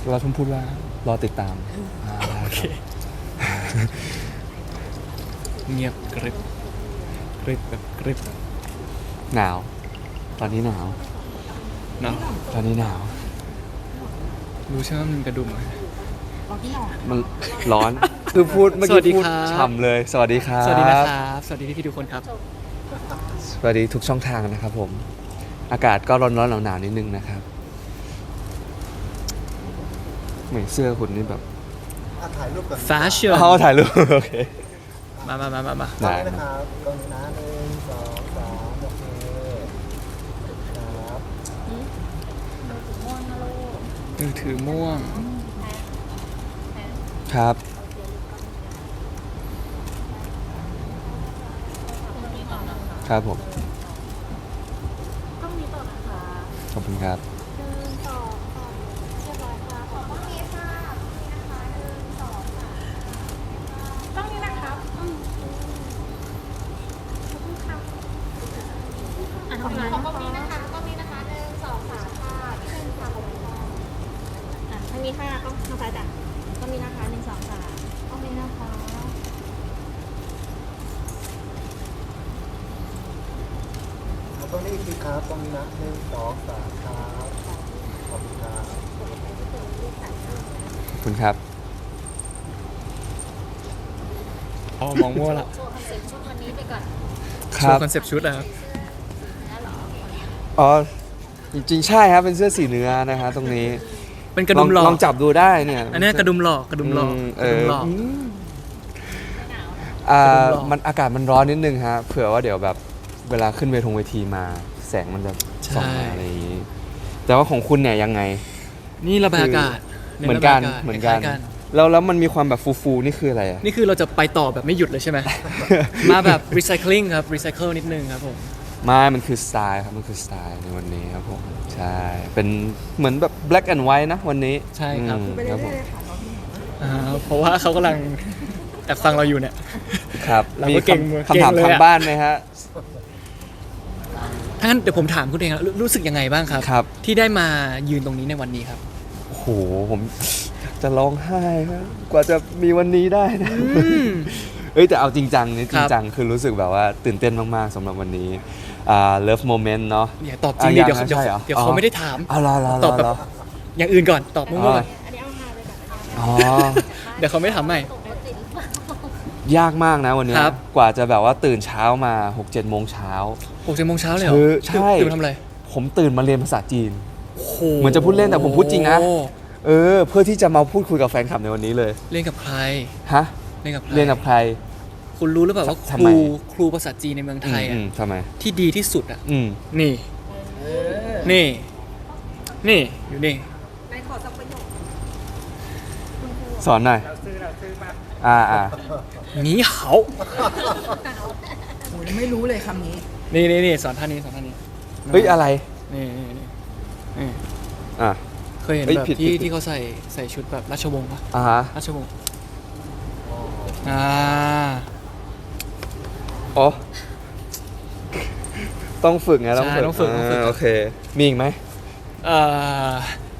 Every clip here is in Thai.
เราต้องพูดว่ารอติดตามโอเคเงียบกริบกริบแบบกริบหนาวตอนนี้หนาวเนาะตอนนี้หนาวรู้ใช่ไหมมันกระดุมมันร้อนคือพูดเมื่อกี้พูดฉ่ำเลยสวัสดีครับสวัสดีนะครับสวัสดีพี่ทุกคนครับสวัสดีทุกช่องทางนะครับผมอากาศก็ร้อนๆหนาวๆนิดนึงนะครับเหมือนเสื้อคุณนี่แบบถ่ายรูปก่อนแฟชั่นถ่ายรูปโอเคมาได้นะครับกล้องนี้นะ1 2 3โอเคครับมือถือม่วงครับครับผมต้องมีต่อนะคะขอบคุณครับ 1 2 3เรียบร้อยค่ะขอบคุณค่ะต้องนี้นะครับขอบคุณค่ะขอบคุณนะคะต้องนี้นะคะ1 2 3ค่ะที่1ค่ะขอบคุณค่ะทางนี้ค่ะต้องทางซ้ายจ้ะต้องนี้นะคะ1 2 3ต้องนี้นะคะตรงนี้อีกทีครับตรงนี้นะ1 2 3ครับขอบคุณครับขอบคุณครับอ๋อมองมั่วละโชว์คอนเซ็ปต์ชุดวันนี้ไปก่อนคโชรับว์คอนเซปต์ชุดนะครับอ๋อจริงๆใช่ครับเป็นเสื้อสีเนื้อนะฮะตรงนี้เป็นกระดุมหลอกลองจับดูได้เนี่ยอันนี้กระดุมหลอกกระดุมหลอกกระดุมหลอกมันอากาศมันร้อนนิดนึงฮะเผื่อว่าเดี๋ยวแบบเวลาขึ้นเวทีมาแสงมันจะส่องมาอะไรอย่างนี้แต่ว่าของคุณเนี่ยยังไงนี่ระบายอากาศเหมือนกันระบายาาศเหมือนกันคล้ายแล้วมันมีความแบบฟูๆนี่คืออะไรอะนี่คือเราจะไปต่อแบบไม่หยุดเลยใช่ไหม มาแบบ recycling ครับ recycle นิดนึงครับผมมันคือสไตล์ครับมันคือสไตล์ในวันนี้ครับผมใช่เป็นเหมือนแบบ black and white นะวันนี้ใช่ครับครับผมเพราะว่าเขากำลังแอบฟังเราอยู่เนี่ยครับเรามีก็เก่งมือคำถามเก่งเลยอะทางบ้านไหมฮะถ้างั้นเดี๋ยวผมถามคุณเองรู้สึกยังไงบ้างครับครับที่ได้มายืนตรงนี้ในวันนี้ครับโอ้โหผมจะร้องไห้ครับกว่าจะมีวันนี้ได้นะ เอ้ยแต่เอาจริงจังนี่จริงจังคือรู้สึกแบบว่าตื่นเต้นมากๆสำหรับวันนี้Love Moment เนาะอย่าตอบจริงดิเดี๋ยวใช่หรอเดี๋ยวเขาไม่ได้ถามรอตอบแบบ อย่างอื่นก่อนตอบมั่วๆก่อนอันนี้เอาฮาไปก่อนนะคะอ๋อเดี๋ยวเขาไม่ถามใหม่ตกรถติดหรือเปล่ายากมากนะวันนี้ครับกว่าจะแบบว่าตื่นเช้ามา 6-7 โมงเช้า 6 โมงเช้าเลยเหรอคือใช่ตื่นมาทำอะไรผมตื่นมาเรียนภาษาจีนโอ้โเหมือนจะพูดเล่นแต่ผมพูดจริงนะ เพื่อที่จะมาพูดคุยกับแฟนคลับในวันนี้เลยเล่นกับใครฮะเล่นกับใครเรียนกับใครคุณรู้หรือเปล่าว่าทำไมครูภาษาจีนในเมืองไทยอือ่ะมทำไมที่ดีที่สุดอ่ะอืมนี่นี่นี่อยู่นี่สอนหน่อยอ่าหนีเหาโหยังไม่รู้เลยคำนี้นี่สอนท่านี้สอนท่านี้เฮ้ยอะไรนี่อ่ะเคยเห็นเฮ้ยแบบผิดที่เขาใส่ชุดแบบราชวงศ์ปะฮะราชวงศ์อ๋อต้องฝึกไงใช่ต้องฝึกโอเค มีอีกไหมเอ่อ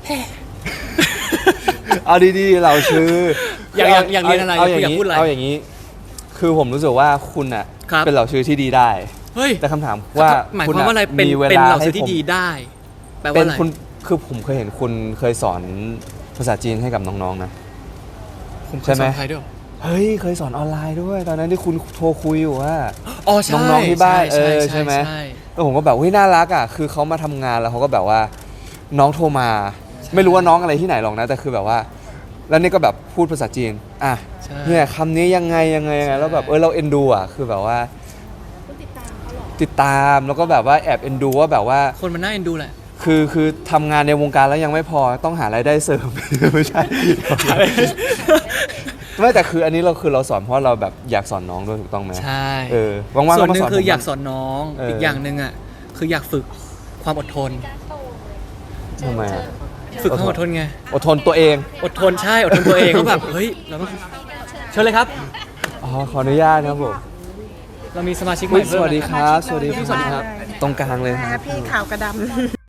เอาดีๆเราชื่ออยอากเรียนอะไรเอาอย่างอยากนี้พูดอะไรเอาอย่างนี้ คือผมรู้สึกว่าคุณอ่ะครับเป็นเหล่าชื่อที่ดีได้เฮ้ยแต่คำถามว่าหมายคุความว่าอะไร เป็นมีเวเป็นลาเหล่าให้ซื้อผที่มดีได้ แปลว่าเป็นอะไรคุณคือผมเคยเห็นคุณเคยสอนภาษาจีนให้กับน้องๆนะผมเคใช่ยไหสมอนใครด้วยเหรอเฮ้ยเคยสอนออนไลน์ด้วย ตอนนั้นที่คุณโทรคุยอยู่ว่าอ๋อใช่น้องๆที่บ้านใช่ไหมใช่แล้วผมก็แบบเฮ้ยน่ารักอ่ะคือเขามาทำงานแล้วเขาก็แบบว่าน้องโทรมา ไม่รู้ว่าน้องอะไรที่ไหนหรอกนะแต่คือแบบว่า แล้วนี่ก็แบบพูดภาษาจีนอ่ะใช่เนี่ยคำนี้ยังไงแล้วแบบเราเอ็นดูอ่ะคือแบบว่าคุณติดตามเขาเหรอติดตามแล้วก็แบบว่าแอบเอ็นดูว่าแบบว่าคนมันน่าเอ็นดูแหละคือทำงานในวงการแล้วยังไม่พอต้องหารายได้เสริม ไม่ใช่ ไม่แต่คืออันนี้เราสอนเพราะเราแบบอยากสอนน้องด้วยถูกต้องไหมใช่ว่างๆส่ก็วนหมานึ่สงอนคือผมอยากสอนน้อง อีกอย่างหนึ่งอ่ะคืออยากฝึกความอดทนการโตเลยทำไมอะฝึกความอดทนไงอดทนตัวเองอดทนใช่อดทนตัวเองเขาแบบเฮ้ยเราต้องเชิญเลยครับอ๋อขออนุญาตครับผมเรามีสมาชิกใหอุ๊ม่ยสเพิ่มวัสดีนะครับสวัสดีสวัสดีครับตรงกลางเลยนะครับพี่ขาวกระดำ